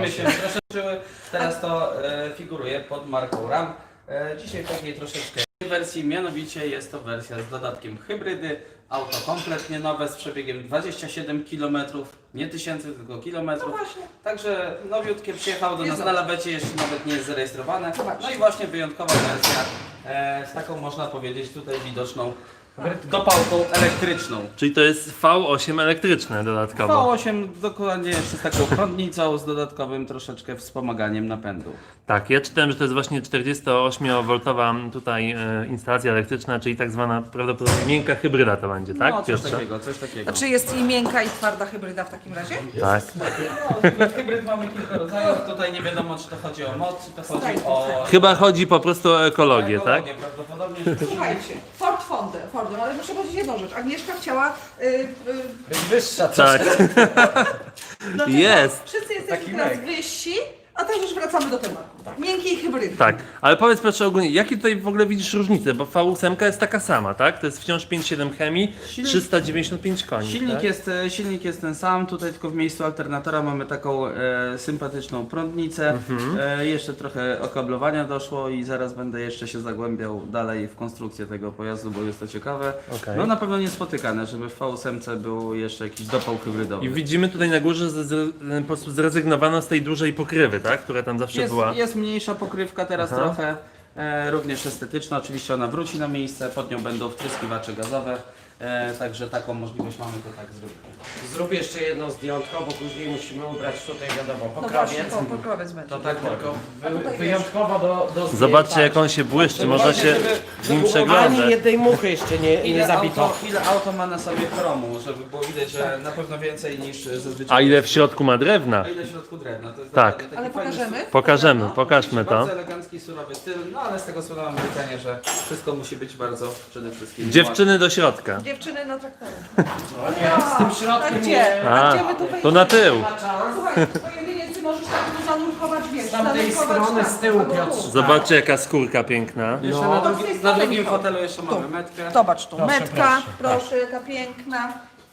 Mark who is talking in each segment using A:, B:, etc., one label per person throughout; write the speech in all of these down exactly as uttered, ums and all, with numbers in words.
A: Firmy się rozszerzyły, teraz to e, figuruje pod marką RAM. E, dzisiaj w takiej troszeczkę wersji, mianowicie jest to wersja z dodatkiem hybrydy. Auto kompletnie nowe z przebiegiem dwadzieścia siedem kilometrów, nie tysięcy, tylko kilometrów.
B: No właśnie.
A: Także nowiutkie przyjechało do
B: Jest
A: nas na
B: nowe.
A: lawecie, jeszcze nawet nie jest zarejestrowane.
B: No właśnie.
A: No i właśnie wyjątkowa wersja e, z taką, można powiedzieć, tutaj widoczną dopałką elektryczną.
C: Czyli to jest V osiem elektryczne
A: V
C: dodatkowo.
A: osiem dokładnie jeszcze z taką prądnicą, z dodatkowym troszeczkę wspomaganiem napędu.
C: Tak, ja czytałem, że to jest właśnie czterdziestoośmiovoltowa tutaj e, instalacja elektryczna, czyli tak zwana prawdopodobnie miękka hybryda to będzie, tak?
A: No, coś
C: Piotrze?
A: takiego, coś takiego.
B: Znaczy jest i miękka i twarda hybryda w takim razie?
C: Tak.
A: No, hybryd mamy kilka rodzajów, tutaj nie wiadomo, czy to chodzi o moc, czy to chodzi o...
C: Chyba chodzi po prostu o ekologię, tak?
A: ekologię prawdopodobnie.
B: Słuchajcie, Ford Fordem, Fordem, ale muszę powiedzieć jedną rzecz. Agnieszka chciała... Yy, yy,
D: Wyższa
C: Tak.
B: dlaczego?
C: Jest.
B: Wszyscy jesteśmy
A: Taki
B: teraz
A: mek.
B: wyżsi, a teraz już wracamy do tematu. Miękkiej hybrydy.
C: Tak, ale powiedz Piotrze ogólnie, jakie tutaj w ogóle widzisz różnice? Bo V osiem jest taka sama, tak? To jest wciąż pięć przecinek siedem chemii,
A: Silnik-
C: trzysta dziewięćdziesiąt pięć koni.
A: Silnik,
C: tak?
A: jest, e, silnik jest ten sam, tutaj tylko w miejscu alternatora mamy taką e, sympatyczną prądnicę.
C: Mhm.
A: E, jeszcze trochę okablowania doszło i zaraz będę jeszcze się zagłębiał dalej w konstrukcję tego pojazdu, bo jest to ciekawe.
C: Okej.
A: No na pewno niespotykane, żeby w V osiem był jeszcze jakiś dopał hybrydowy.
C: I widzimy tutaj na górze, że z, po prostu zrezygnowano z tej dużej pokrywy, tak? Która tam zawsze
A: Jest,
C: była.
A: jest mniejsza pokrywka teraz
C: Aha.
A: trochę, e, również estetyczna, oczywiście ona wróci na miejsce, pod nią będą wtryskiwacze gazowe, e, także taką możliwość mamy, to tak zrobić.
D: Zrób jeszcze jedno zdjątko, bo później musimy ubrać tutaj wiadomo
B: No właśnie,
D: pokrowiec.
B: po, pokrowiec będzie.
D: To tak tylko
B: A
D: wy,
B: tutaj
D: wyjątkowo do, do zdjęć,
C: Zobaczcie
D: tak.
C: jak on się błyszczy, można
A: właśnie,
C: się
A: żeby-
C: z nim
D: Ani
C: przeglądać.
D: jednej muchy jeszcze nie, nie
A: Ile
D: zabito.
A: auto, ile auto ma na sobie chromu, żeby było widać, że na pewno więcej niż zazwyczaj.
C: A ile w środku ma drewna?
A: A ile w środku drewna? To jest
C: Tak.
A: naprawdę taki
B: Ale
A: fajny
B: pokażemy?
A: styl.
C: Pokażemy,
B: No.
C: pokażmy to.
A: Bardzo elegancki, surowy styl, no ale z tego słowa mam pytanie, że wszystko musi być bardzo przede wszystkim...
C: Dziewczyny do środka.
B: Dziewczyny na traktorze.
D: No nie, z tym
B: A
D: środkiem
B: gdzie?
D: nie.
B: A,
C: A,
B: gdzie my tu wejdziemy?
C: to na tył.
B: Słuchaj, twoje jedynie ty możesz tak tu zanurkować, wiesz,
D: Z tamtej
B: zanurkować
D: strony,
B: tam,
D: z tyłu,
B: albo tu.
D: Piotrze.
C: Zobaczcie jaka skórka piękna.
A: Jeszcze
D: No.
A: na,
B: To
A: drugi,
B: jest
A: na
B: fotelu.
A: drugim fotelu jeszcze mamy metkę.
B: Zobacz tu,
D: Proszę,
B: metka,
D: proszę.
B: proszę, jaka piękna.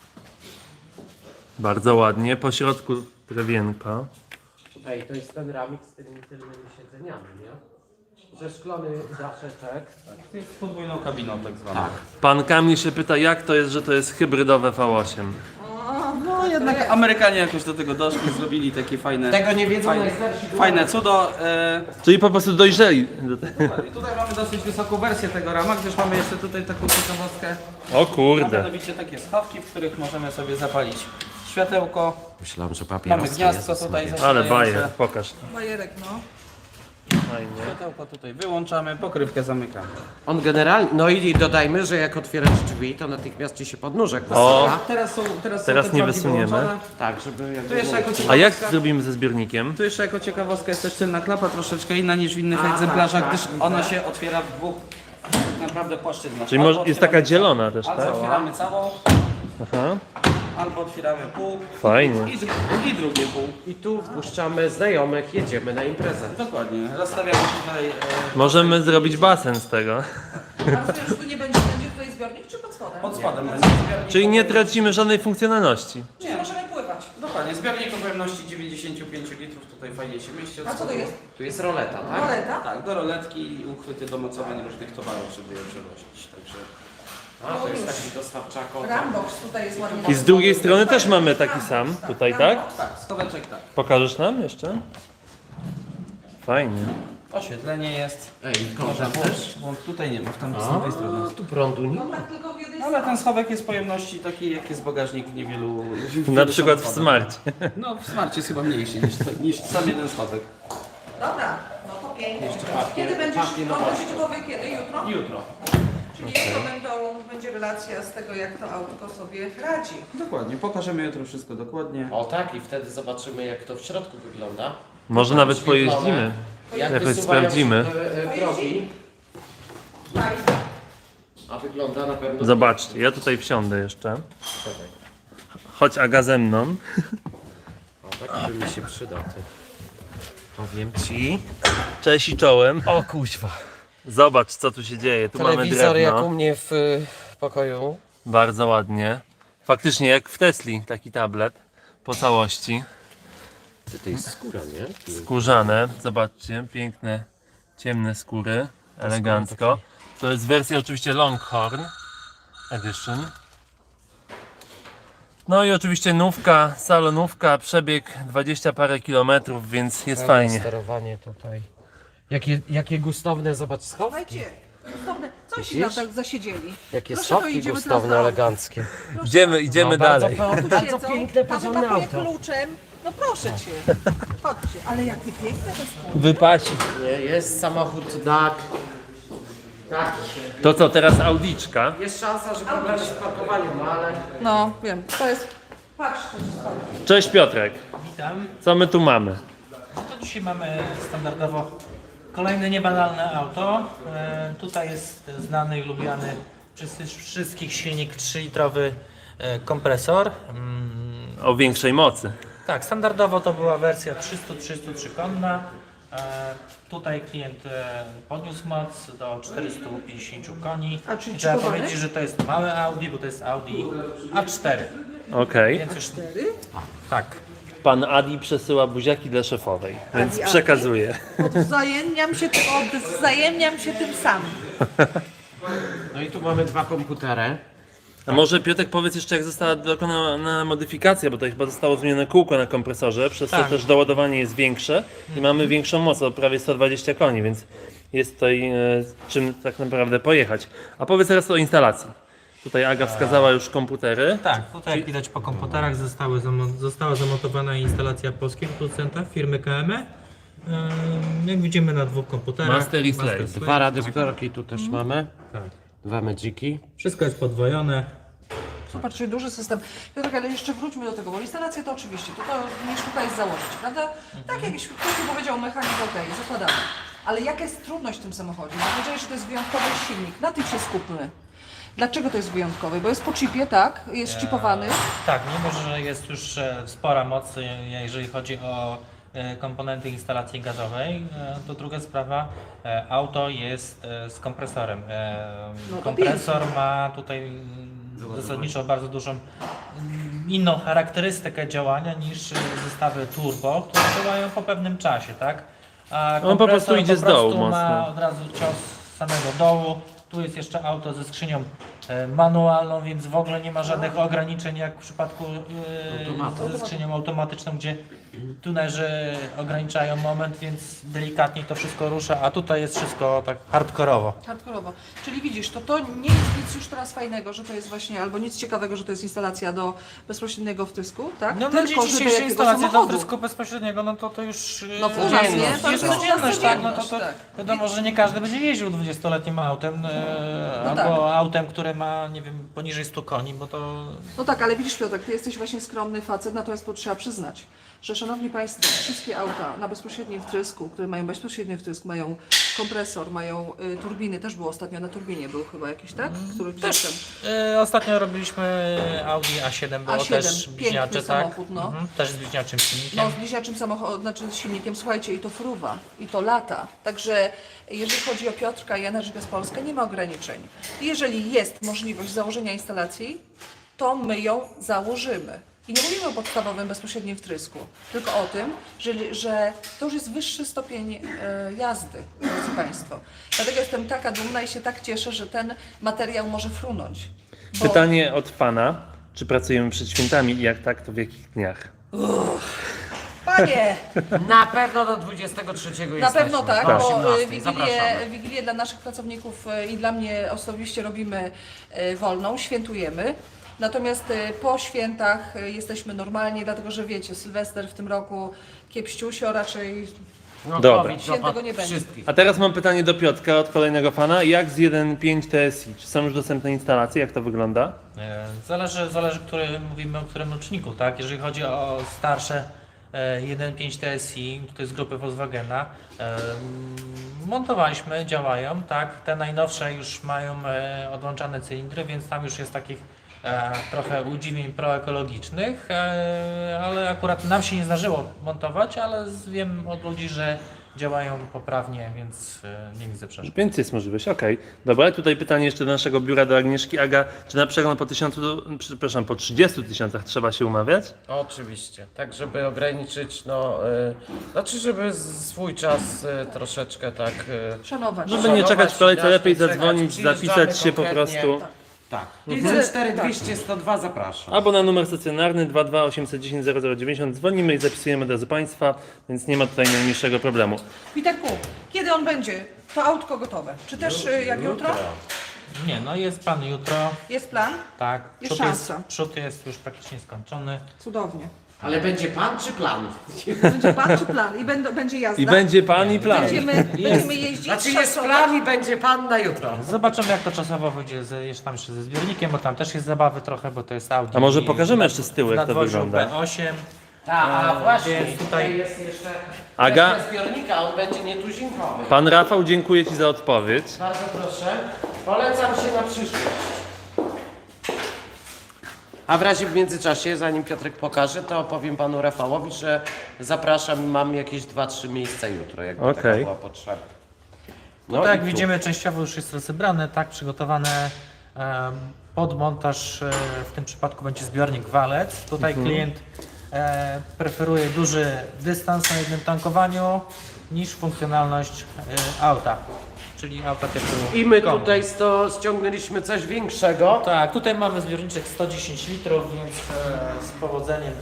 C: Bardzo ładnie, po środku drewienko.
D: Ej, to jest ten ramik z tymi tylnymi siedzeniami, nie? Przeszklony daszeczek.
A: Z podwójną kabiną tak zwaną.
D: Tak.
C: Pan Kamil się pyta, jak to jest, że to jest hybrydowe V osiem.
A: No jednak Amerykanie jakoś do tego doszli, zrobili takie fajne,
D: Tego nie wiedzą
A: fajne,
D: najstarsi
A: fajne cudo. E,
C: Czyli po prostu dojrzeli do tego.
A: tutaj mamy dosyć wysoką wersję tego rama, gdyż mamy jeszcze tutaj taką ciekawostkę.
C: O
A: A
C: kurde.
A: mianowicie takie schawki, w których możemy sobie zapalić światełko.
D: Myślałem, że
A: Mamy
D: papierosy.
A: gniazdko
D: Jezus
A: tutaj
D: Maria.
C: Ale
A: zasilające.
C: bajer, pokaż.
B: Bajerek, no.
C: Fajnie.
A: Światełko tutaj wyłączamy, pokrywkę zamykamy.
D: On generalnie, no i dodajmy, że jak otwierasz drzwi, to natychmiast ci się podnóżek
C: O.
D: wysyła.
A: Teraz są, teraz
C: Teraz
A: są te
C: nie
A: progi
C: wysuniemy.
A: wyłączone.
D: Tak, żeby jakby
A: Tu jeszcze jako
C: A
A: ciekawostka,
C: jak zrobimy ze zbiornikiem?
A: tu jeszcze jako ciekawostka jest też tylna klapa, troszeczkę inna niż w innych
D: A,
A: egzemplarzach,
D: tak,
A: gdyż
D: tak,
A: ona
D: tak.
A: się otwiera w dwóch tak naprawdę płaszczyznach.
C: Czyli
A: Albo
C: może, jest
A: otwieramy
C: taka zielona też,
A: Albo
C: tak?
A: otwieramy całą,
C: Aha,
A: albo otwieramy pół
C: fajnie.
A: i, dru- i drugie pół.
D: I tu wpuszczamy znajomych, jedziemy na imprezę.
A: Dokładnie. Rozstawiamy tutaj. E,
C: Możemy zrobić basen z tego.
B: A rozumiem, że tu nie będzie, będzie tutaj zbiornik, czy pod spodem?
A: pod spodem będzie zbiornik.
C: Czyli nie tracimy żadnej funkcjonalności.
B: Czyli możemy pływać.
A: Dokładnie. Zbiornik o pojemności dziewięćdziesiąt pięć litrów tutaj fajnie się mieści.
B: A co to jest?
D: Tu jest roleta, tak?
B: Roleta?
A: Tak, do roletki i uchwyty do mocowań różnych towarów, żeby je przewozić. Także
D: A, to jest taki dostawczako.
B: Rambox tutaj jest ładnie.
C: I z drugiej strony też mamy taki sam, tutaj, tak?
A: tak, schoweczek tak.
C: Pokażesz nam jeszcze? Fajnie.
A: Oświetlenie jest.
D: Ej,
A: Można
D: kończę
A: włączyć,
D: też?
A: bo tutaj nie ma, w tam z drugiej strony.
D: A, tu prądu nie
B: No
D: ma.
B: tak, tylko w jednej
A: Ale ten schowek jest pojemności takiej, jak jest bagażnik w niewielu. W
C: Na
A: wielu
C: przykład w
A: samochodach.
C: Smarcie.
A: No, w Smarcie jest chyba mniejszy niż, niż sam jeden schowek.
B: Dobra, no to pięknie.
D: papier-
B: Kiedy będziesz,
D: papier
B: no
D: na
B: będziecie gotowy kiedy? Jutro?
A: Jutro.
B: Czyli jutro będą, będzie relacja z tego, jak to autko sobie radzi.
A: Dokładnie, pokażemy jutro wszystko dokładnie.
D: O tak, i wtedy zobaczymy jak to w środku wygląda.
C: Może nawet
D: Oświetlone.
C: pojeździmy.
D: Jak
C: Jakoś
D: wysuwają
C: sprawdzimy.
D: się te, e, progi, a wygląda na pewno...
C: Zobaczcie, ja tutaj wsiądę jeszcze. Chodź Aga ze mną.
D: O, taki by mi się przydał. Ty. Powiem ci...
C: Cześć i czołem.
D: O kuźwa.
C: Zobacz co tu się dzieje. Tu mamy
D: Telewizor jak u
C: drewno.
D: mnie w y, pokoju.
C: Bardzo ładnie. Faktycznie jak w Tesli taki tablet po całości.
D: Ty, to jest skóra, nie?
C: Skórzane, zobaczcie, piękne, ciemne skóry, elegancko. To jest wersja oczywiście Longhorn Edition. No i oczywiście nówka, salonówka, przebieg dwadzieścia parę kilometrów, więc jest fajnie.
D: Sterowanie tutaj. Jakie, jakie gustowne, zobacz, schowki.
B: Słuchajcie, gustowne, coś się
D: Widzisz?
B: tam tak zasiedzieli.
D: Jakie
B: Proszę, to
D: schowki
B: idziemy teraz
D: gustowne,
B: do-
D: eleganckie.
C: Idziemy, idziemy
D: No, bardzo
C: dalej.
D: po-
B: Tu
D: Bardzo
B: siedzą,
D: piękne,
B: pan
D: porządne
B: pakuje
D: auto.
B: kluczem. No proszę cię, chodźcie. Ale jakie piękne to jest.
C: Wypaci.
D: Nie, jest samochód D A C. Tak.
C: To co, teraz Audiczka.
D: Jest szansa, że problemy z parkowaniem, no ale...
B: No, wiem, to jest... Patrz, to jest fajne.
C: Cześć Piotrek,
E: Witam.
C: co my tu mamy?
E: To dzisiaj mamy standardowo kolejne niebanalne auto. E, tutaj jest znany i lubiany przez wszystkich silnik trzylitrowy e, kompresor. Mm,
C: O większej mocy.
E: tak, standardowo to była wersja trzysta trzysta trzy konna. E, tutaj klient e, podniósł moc do czterystu pięćdziesięciu koni.
B: A, czyli
E: I trzeba
B: chipowany?
E: powiedzieć, że to jest małe Audi, bo to jest Audi A cztery.
C: Okej.
E: Więc już tak.
C: Pan Adi przesyła buziaki dla szefowej, więc
B: Adi, Adi?
C: przekazuje.
B: Odwzajemniam się, odwzajemniam się tym samym.
D: No i tu mamy dwa komputery.
C: A może Piotrek powiedz jeszcze, jak została dokonana modyfikacja, bo to chyba zostało zmienione kółko na kompresorze, przez
E: Tak.
C: to też doładowanie jest większe i mamy większą moc, o prawie sto dwadzieścia koni, więc jest tutaj e, czym tak naprawdę pojechać. A powiedz teraz o instalacji. Tutaj Aga wskazała już komputery.
E: Tak, tutaj jak widać po komputerach zostały zamo- została zamontowana instalacja polskiego producenta firmy K M E. Ym, Jak widzimy na dwóch komputerach.
C: Master i Slave.
D: Dwa radiobiorki tu też mamy.
E: Tak.
D: Dwa Magiki.
E: Wszystko jest podwojone.
B: Zobaczcie, duży system. Piotrek, ale jeszcze wróćmy do tego, bo instalację to oczywiście, to, to nie sztuka jest założyć, prawda? Tak jak ktoś powiedział, mechanik okej, zakładamy. Ale jaka jest trudność w tym samochodzie? Bo powiedziałeś, że to jest wyjątkowy silnik, na tym się skupmy. Dlaczego to jest wyjątkowy? Bo jest po chipie, tak? Jest chipowany.
E: Tak, mimo że jest już e, spora moc, e, jeżeli chodzi o e, komponenty instalacji gazowej, e, to druga sprawa, e, auto jest e, z kompresorem. E,
B: No to
E: Kompresor ma tutaj mm, zasadniczo bardzo dużą mm, inną charakterystykę działania niż e, zestawy turbo, które działają po pewnym czasie, tak? A
C: On po prostu
E: kompresor
C: idzie z
E: po prostu
C: dołu
E: ma
C: mocno.
E: od razu cios z samego dołu. Tu jest jeszcze auto ze skrzynią e, manualną, więc w ogóle nie ma żadnych ograniczeń jak w przypadku e, ze skrzynią automatyczną, gdzie tunerzy ograniczają moment, więc delikatnie to wszystko rusza, a tutaj jest wszystko tak hardkorowo.
B: Hardkorowo. Czyli widzisz, to to nie jest nic już teraz fajnego, że to jest właśnie, albo nic ciekawego, że to jest instalacja do bezpośredniego wtrysku, tak?
E: No na dzień
B: że do
E: dzisiejszy
B: jakiego
E: instalacja do
B: samochodu?
E: wtrysku bezpośredniego, no to to już
B: No
E: e,
B: u nas, nie?
E: jest,
B: To
E: jest
B: jest
E: codzienność, tak? No to, to
B: codzienność, tak.
E: wiadomo, że nie każdy będzie jeździł dwudziestoletnim autem, e,
B: No
E: albo
B: tak.
E: autem, które ma, nie wiem, poniżej stu koni, bo to
B: No tak, ale widzisz Piotrek, ty jesteś właśnie skromny facet, natomiast to trzeba przyznać, że szanowni Państwo, wszystkie auta na bezpośrednim wtrysku, które mają bezpośredni wtrysk, mają kompresor, mają y, turbiny, też było ostatnio na turbinie, był chyba jakiś, tak? Który
E: Też.
B: gdzieś
E: E, ostatnio robiliśmy Audi A siedem, było
B: A siedem,
E: też
B: piękny
E: bliźniacze, tak?
B: samochód, no.
E: Mhm, też z bliźniaczym
B: No,
E: silnikiem.
B: z bliźniaczym samochodem, znaczy z silnikiem, słuchajcie, i to fruwa, i to lata. Także jeżeli chodzi o Piotrka i Energygaz Polska, nie ma ograniczeń. Jeżeli jest możliwość założenia instalacji, to my ją założymy. I nie mówimy o podstawowym bezpośrednim wtrysku, tylko o tym, że, że to już jest wyższy stopień e, jazdy, drodzy Państwo. Dlatego jestem taka dumna i się tak cieszę, że ten materiał może frunąć. Bo-
C: Pytanie od Pana, czy pracujemy przed świętami i jak tak, to w jakich dniach?
B: Panie!
D: Na pewno do dwudziestego trzeciego
B: Na
D: jesteśmy.
B: pewno tak,
D: Do
B: bo y,
D: osiemnastej.
B: wigilię,
D: Zapraszamy.
B: wigilię dla naszych pracowników y, i dla mnie osobiście robimy y, wolną, świętujemy. Natomiast y, po świętach y, jesteśmy normalnie, dlatego że wiecie, Sylwester w tym roku kiepściusio, raczej
D: No,
C: Dobra.
D: COVID
B: Świętego
D: dopadł
B: nie będzie.
D: wszystkich.
C: A teraz mam pytanie do Piotrka od kolejnego fana. Jak z jeden przecinek pięć T S I? Czy są już dostępne instalacje? Jak to wygląda?
E: E, Zależy, zależy który, mówimy o którym roczniku, tak? Jeżeli chodzi o starsze e, jeden przecinek pięć T S I, to jest grupy Volkswagena, e, montowaliśmy, działają, tak? Te najnowsze już mają e, odłączane cylindry, więc tam już jest takich e, trochę udziwień proekologicznych, e, ale akurat nam się nie zdarzyło montować, ale z- wiem od ludzi, że działają poprawnie, więc e, nie widzę przeszkód.
C: Więc jest możliwość, okej. Dobra, tutaj pytanie jeszcze do naszego biura, do Agnieszki. Aga, czy na przegląd po tysiącu, przepraszam, po trzydziestu tysiącach trzeba się umawiać?
D: Oczywiście, tak żeby ograniczyć, no, y, znaczy żeby z- swój czas y, troszeczkę tak... Y,
B: Szanować.
C: Żeby nie czekać w kolejce,
D: Szanować,
C: lepiej
D: czekać,
C: zadzwonić,
D: przyjeżdżamy
C: zapisać się po
D: konkretnie.
C: prostu.
D: tak,
B: Mhm.
D: pięćset cztery dwieście sto dwa zapraszam.
C: Albo na numer stacjonarny dwa dwa osiem jeden zero zero zero dziewięćdziesiąt dzwonimy i zapisujemy od razu Państwa, więc nie ma tutaj najmniejszego problemu.
B: Witerku, kiedy on będzie? To autko gotowe. Czy też y, jak jutro?
E: Nie, no jest plan jutro,
B: Jest plan?
E: tak.
B: Jest
E: Przód jest,
B: szansa.
E: przód jest już praktycznie skończony.
B: Cudownie.
D: Ale będzie pan czy plan?
B: Będzie plan czy plan? I będą, będzie jazda?
C: I będzie Pan i plan.
B: Będziemy, będziemy jeździć,
D: Znaczy jest
B: szacować.
D: plan i będzie pan na jutro.
E: Zobaczymy jak to czasowo wyjdzie z, jeszcze tam jeszcze ze zbiornikiem, bo tam też jest zabawy trochę, bo to jest Audi.
C: A może
E: i
C: pokażemy
E: na-
C: jeszcze z tyłu,
E: w
C: jak to
E: nadwoziu
C: wygląda?
E: B osiem.
D: Tak, a
E: E,
D: właśnie,
E: więc
D: tutaj
E: tutaj-
D: jest jeszcze
C: Aga?
D: kwestia zbiornika, on będzie nietuzinkowy.
C: Pan Rafał, dziękuję Ci za odpowiedź.
D: Bardzo proszę, polecam się na przyszłość. A w razie w międzyczasie, zanim Piotrek pokaże, to powiem panu Rafałowi, że zapraszam i mam jakieś dwa trzy miejsca jutro, jakby taka
C: Okej.
D: była potrzeba. No
E: No tak,
D: i
E: jak
D: tu.
E: widzimy, częściowo już jest rozebrane, tak, przygotowane em, pod montaż. E, w tym przypadku będzie zbiornik walec. Tutaj klient e, preferuje duży dystans na jednym tankowaniu niż funkcjonalność e, auta, czyli auta typu
D: I my
E: kombi.
D: tutaj sto, ściągnęliśmy coś większego.
E: Tak, tutaj mamy zbiorniczek sto dziesięć litrów, więc e, z powodzeniem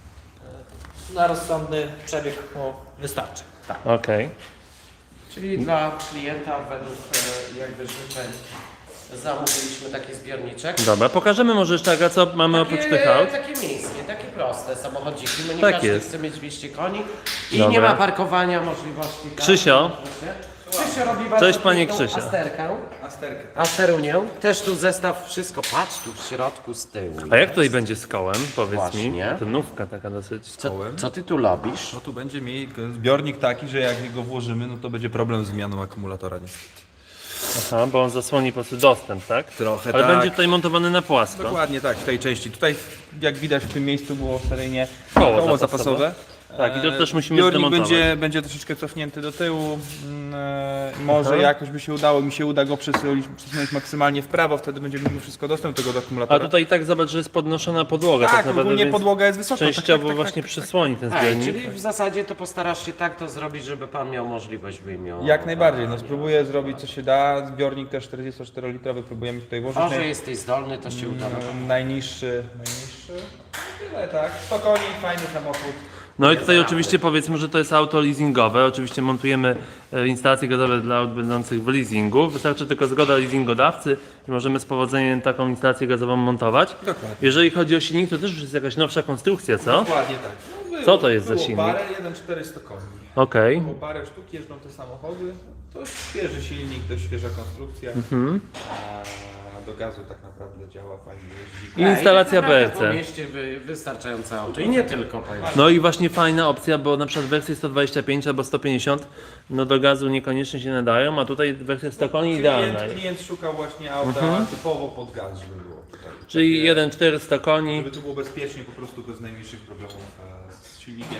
E: e, na rozsądny przebieg mu wystarczy. Tak.
C: Okej.
D: Czyli dla klienta według e, jakby życzeń zamówiliśmy taki zbiorniczek.
C: Dobra, pokażemy może jeszcze, Aga, co mamy oprócz tych aut.
D: Takie miejskie, takie proste samochodziki. No nie
C: Tak
D: każdy
C: jest.
D: chce mieć dwieście koni i
C: Dobra.
D: nie ma parkowania możliwości. tak?
C: Krzysio.
D: Krzysio robi bardzo
C: Cześć, panie
D: piękną
C: Krzysio.
D: Asterkę.
A: Asterkę.
D: Asterunię. Też tu zestaw, wszystko, patrz tu w środku z tyłu.
C: A jak tutaj będzie z kołem? Powiedz
D: Właśnie.
C: mi. To nówka taka dosyć.
D: Co,
F: kołem?
D: co ty tu robisz?
F: No tu będzie mieli zbiornik taki, że jak go włożymy, no to będzie problem z zmianą akumulatora niestety.
C: Aha, bo on zasłoni po prostu dostęp, tak?
F: Trochę
C: Ale
F: tak.
C: będzie tutaj montowany na płasko.
F: Dokładnie tak, w tej części. Tutaj jak widać w tym miejscu było seryjnie
C: Koło
F: koło,
C: zapasowe.
F: zapasowe.
C: Tak, i to
F: E,
C: też musimy
F: Zbiornik
C: zdemontować.
F: będzie, będzie troszeczkę cofnięty do tyłu. Mm, e, Może
C: Aha.
F: jakoś by się udało, mi się uda go przesunąć, przesunąć maksymalnie w prawo, wtedy będziemy mieli wszystko dostęp do tego
C: A
F: akumulatora.
C: tutaj tak zobacz, że jest podnoszona podłoga tak,
F: tak,
C: naprawdę,
F: ogólnie
C: więc
F: podłoga jest wysoka. tak,
C: częściowo
F: tak, tak,
C: właśnie
F: tak,
C: przysłoni ten
D: Ej,
C: zbiornik.
D: czyli w zasadzie to postarasz się tak to zrobić, żeby pan miał możliwość wyjmowania.
F: Jak najbardziej, no spróbuję zrobić co się da. Zbiornik też czterdziestoczterolitrowy próbujemy tutaj włożyć.
D: O, że
F: Naj-
D: jesteś zdolny, to się uda.
F: Mm, Najniższy, najniższy. Tyle tak. sto koni, fajny samochód.
C: No i tutaj oczywiście powiedzmy, że to jest auto leasingowe. Oczywiście montujemy e, instalacje gazowe dla aut będących w leasingu. Wystarczy tylko zgoda leasingodawcy i możemy z powodzeniem taką instalację gazową montować.
F: Dokładnie.
C: Jeżeli chodzi o silnik, to też już jest jakaś nowsza konstrukcja, co?
F: Dokładnie tak. No, było-
C: Co to jest za
F: było
C: silnik?
F: Parę, jeden czterysta koni.
C: Okej.
F: Po parę sztuk jeżdżą te samochody. To świeży silnik, to świeża konstrukcja.
C: Mhm.
F: A do gazu tak naprawdę działa fajnie. Jeździ.
C: I instalacja
D: Ej,
C: B
D: tak
C: R
D: naprawdę Po
C: C.
D: mieście wy, wystarczające auto i nie tylko, powiem.
C: No i właśnie fajna opcja, bo na przykład wersje sto dwadzieścia pięć albo sto pięćdziesiąt no do gazu niekoniecznie się nadają, a tutaj wersja sto koni idealna.
F: Klient, klient szukał właśnie auta
C: Mhm.
F: typowo pod gaz, żeby było. Tak,
C: Czyli
F: takie-
C: jeden czterysta koni.
F: Żeby to było bezpiecznie, po prostu bez najmniejszych problemów e, z silnikiem.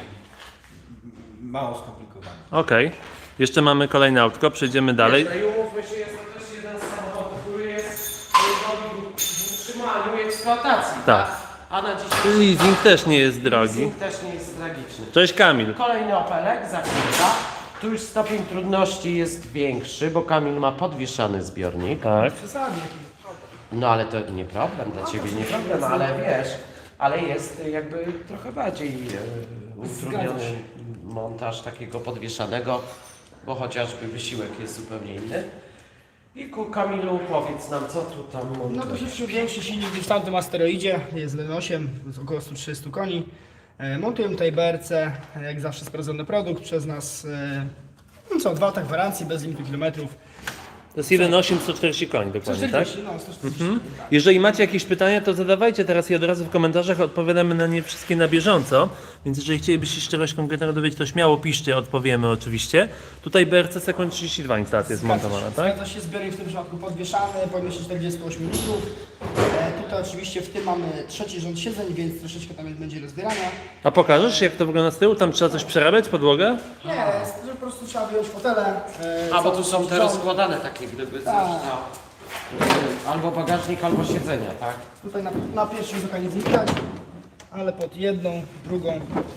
F: Mało skomplikowane.
C: Okej. Jeszcze mamy kolejne autko, przejdziemy dalej.
D: No i umówmy się, jest to też jeden z samochodów, który jest drogi w utrzymaniu i eksploatacji,
C: Tak.
D: tak? A na dzisiaj
C: Leasing też nie jest drogi.
D: leasing też nie jest tragiczny.
C: Cześć Kamil.
D: Kolejny Opelek za chwilę. Tu już stopień trudności jest większy, bo Kamil ma podwieszany zbiornik.
C: Tak.
D: No ale to nie problem, dla Ciebie nie problem, ale wiesz, ale jest jakby trochę bardziej e, utrudniony montaż takiego podwieszanego, bo chociażby wysiłek jest zupełnie inny. I ku Kamilu powiedz nam, co tu tam
G: No
D: montujesz.
G: troszeczkę większy silnik niż w tamtym asteroidzie, jest jeden osiem, z około sto trzydzieści koni. E, Montujemy tutaj B R C, jak zawsze sprawdzony produkt przez nas. E, no co, dwa lata gwarancji, bez limitu kilometrów.
C: To jest jeden osiem sto czterdzieści koni dokładnie, tak?
G: sto czterdzieści, no, sto czterdzieści. tak.
C: Jeżeli macie jakieś pytania, to zadawajcie teraz i od razu w komentarzach, odpowiadamy na nie wszystkie na bieżąco. Więc jeżeli chcielibyście się czegoś konkretnego dowiedzieć, to śmiało piszcie, odpowiemy oczywiście. Tutaj B R C sekund trzydzieści dwa instalacja jest
G: Zgadza
C: montowana,
G: się,
C: tak?
G: Zgadza się, zbiornik w tym przypadku podwieszany, pojemności czterdzieści osiem litrów. E, to oczywiście w tym mamy trzeci rząd siedzeń, więc troszeczkę tam będzie rozbierania.
C: A pokażesz, jak to wygląda z tyłu? Tam trzeba coś przerabiać, podłogę?
G: Nie, jest, że po prostu trzeba wyjąć fotele. e,
D: A, bo tu
G: cały
D: są te
G: rząd.
D: rozkładane takie, gdyby coś
G: Tak.
D: na... Albo bagażnik, albo siedzenia, tak?
G: Tutaj na, na pierwszym z oka nic nie widać, ale pod jedną, drugą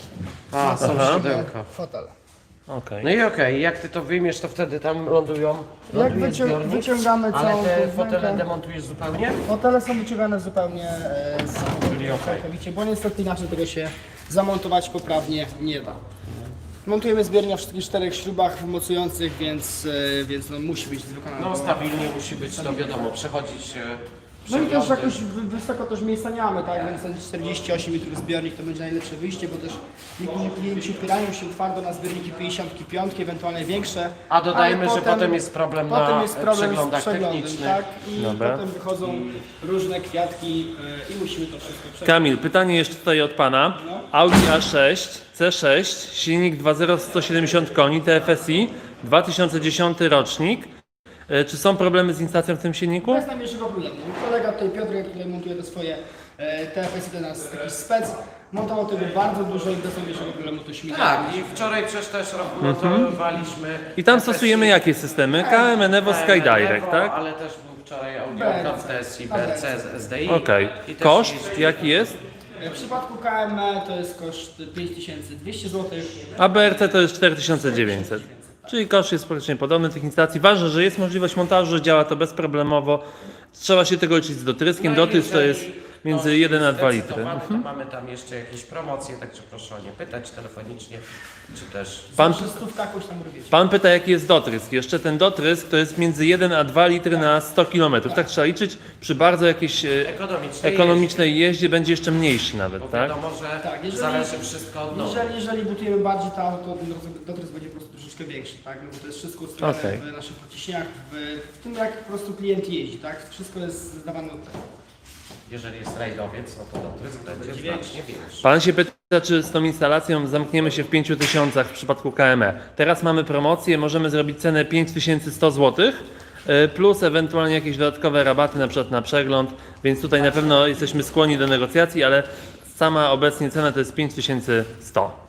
D: A, są
C: Aha.
D: siodełka.
G: fotele.
C: Okej.
D: No i okej, jak ty to wyjmiesz, to wtedy tam lądują.
G: Jak
D: ląduje
G: wycią
D: zbiornik,
G: wyciągamy
D: ale
G: całą
D: te
G: tą
D: fotele
G: wnękę,
D: demontujesz zupełnie?
G: fotele są wyciągane zupełnie e, z
D: Czyli okej.
G: całkowicie, bo niestety inaczej tego się zamontować poprawnie nie da. Montujemy zbiornik w wszystkich czterech śrubach mocujących, więc, e, więc no, musi być wykonane.
D: No stabilnie musi być, to wiadomo, przechodzić... e,
G: No i też
D: przeglądy.
G: jakoś wy- wysoko też miejsca nie mamy, tak? Więc ten czterdzieści osiem litrów zbiornik to będzie najlepsze wyjście, bo też niektórzy klienci upierają się twardo na zbiorniki pięćdziesiąt pięć, ewentualnie większe.
D: A dodajmy,
G: ale
D: że potem jest problem na
G: potem jest problem
D: przeglądach
G: z przeglądem,
D: technicznych.
G: tak? I
C: Dobra.
G: potem wychodzą różne kwiatki e, i musimy to wszystko przeglądać.
C: Kamil, pytanie jeszcze tutaj od Pana. Audi A sześć, C sześć, silnik dwa zero, sto siedemdziesiąt koni, T F S I, dwa tysiące dziesiąty rocznik. E, Czy są problemy z instalacją w tym silniku?
G: Bez najmniejszego problemu. Mój kolega tutaj Piotrek, który montuje te swoje e, T F S I, to nas jakiś spec, montował tego bardzo dużo i bez najmniejszego problemu to śmiga.
D: Tak, i wczoraj przecież też montowaliśmy...
C: Mhm. I tam stosujemy jakie systemy? K M, Enevo, SkyDirect, tak?
D: Ale też był wczoraj audiokart T S I, B R C, S D I.
C: Okej.
D: I też
C: Koszt
D: jeździ-
C: jaki jest?
G: W przypadku K M E to jest koszt pięć tysięcy dwieście złotych.
C: A B R C to jest cztery tysiące dziewięćset. Czyli koszt jest praktycznie podobny tych instalacji. Ważne, że jest możliwość montażu, że działa to bezproblemowo. Trzeba się tego liczyć z dotryskiem.
D: No i
C: Dotrysk to jest
D: jeżeli
C: między
D: ktoś
C: jeden a
D: jest
C: dwa litry.
D: zdecydowany,
C: Mhm.
D: To mamy tam jeszcze jakieś promocje, także proszę o nie pytać telefonicznie, czy też...
C: Pan,
G: Przy stówkach już tam robicie.
C: pan pyta, jaki jest dotrysk. Jeszcze ten dotrysk to jest między jeden a dwa litry na sto kilometrów. Tak trzeba liczyć. Przy bardzo jakiejś e,
D: Ekonomicznie.
C: ekonomicznej jeździe będzie jeszcze mniejszy
D: Bo
C: nawet, tak?
D: wiadomo, że
G: Tak, jeżeli-
D: zależy wszystko od nowy.
G: Jeżeli, jeżeli butujemy bardziej to auto, to ten dotrysk będzie po prostu troszeczkę większy, tak? No bo to jest wszystko ustawione
C: Okej.
G: w naszych pociśniach, w, w tym jak po prostu klient jeździ, tak? Wszystko jest zdawane od tego.
D: Jeżeli jest rajdowiec, no to dotrysk będzie znacznie większy.
C: Pan się pyta, czy z tą instalacją zamkniemy się w pięciu tysiącach w przypadku K M E. Teraz mamy promocję, możemy zrobić cenę pięć tysięcy sto złotych, y, plus ewentualnie jakieś dodatkowe rabaty, na przykład na przegląd, więc tutaj na pewno jesteśmy skłonni do negocjacji, ale sama obecnie cena to jest pięć tysięcy sto.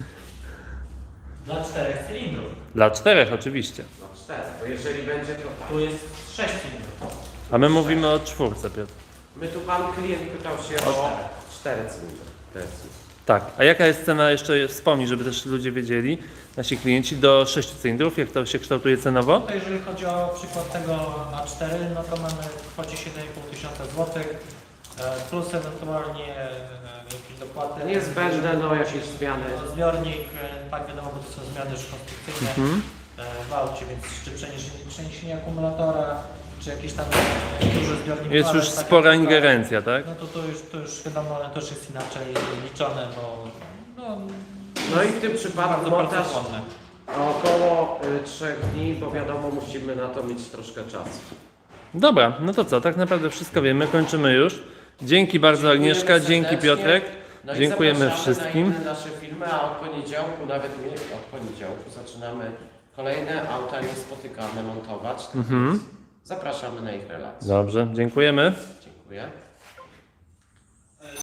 E: Dla czterech cylindrów.
C: Dla czterech oczywiście.
D: No cztery, bo jeżeli będzie to...
E: Tu jest sześć cylindrów.
C: A my mówimy o czwórce, Piotr.
D: My tu pan klient pytał się o cztery cylindry. T S I.
C: Tak, a jaka jest cena, jeszcze wspomnij, żeby też ludzie wiedzieli, nasi klienci, do sześciu cylindrów, jak to się kształtuje cenowo?
E: Tutaj jeżeli chodzi o przykład tego na cztery, no to mamy w kwocie siedem i pół tysiąca złotych, e, plus ewentualnie e, jakieś dopłaty.
D: Niezbędne, no jakieś zmiany.
E: Zbiornik, e, tak wiadomo, bo to są zmiany już konstrukcyjne
C: Mhm.
E: e, w aucie, więc czy przeniesienie, przeniesienie akumulatora, czy jakieś tam e, duże zbiorniki.
C: Jest już spora ingerencja, tak?
E: No to, to, już, to już wiadomo, ale to już jest inaczej liczone, bo no,
D: No i w tym przypadku
E: bardzo,
D: montaż
E: bardzo płonne.
D: około y, trzech dni, bo wiadomo, musimy na to mieć troszkę czasu.
C: Dobra, no to co, tak naprawdę wszystko wiemy, kończymy już. Dzięki bardzo Agnieszka,
D: Dziękujemy
C: dzięki
D: serdecznie.
C: Piotrek,
D: No i
C: dziękujemy
D: zapraszamy
C: wszystkim.
D: na inne nasze filmy, a od poniedziałku, nawet nie od poniedziałku, zaczynamy kolejne auta niespotykane montować.
C: Mhm.
D: Zapraszamy na ich relacje.
C: Dobrze, dziękujemy.
D: Dziękuję.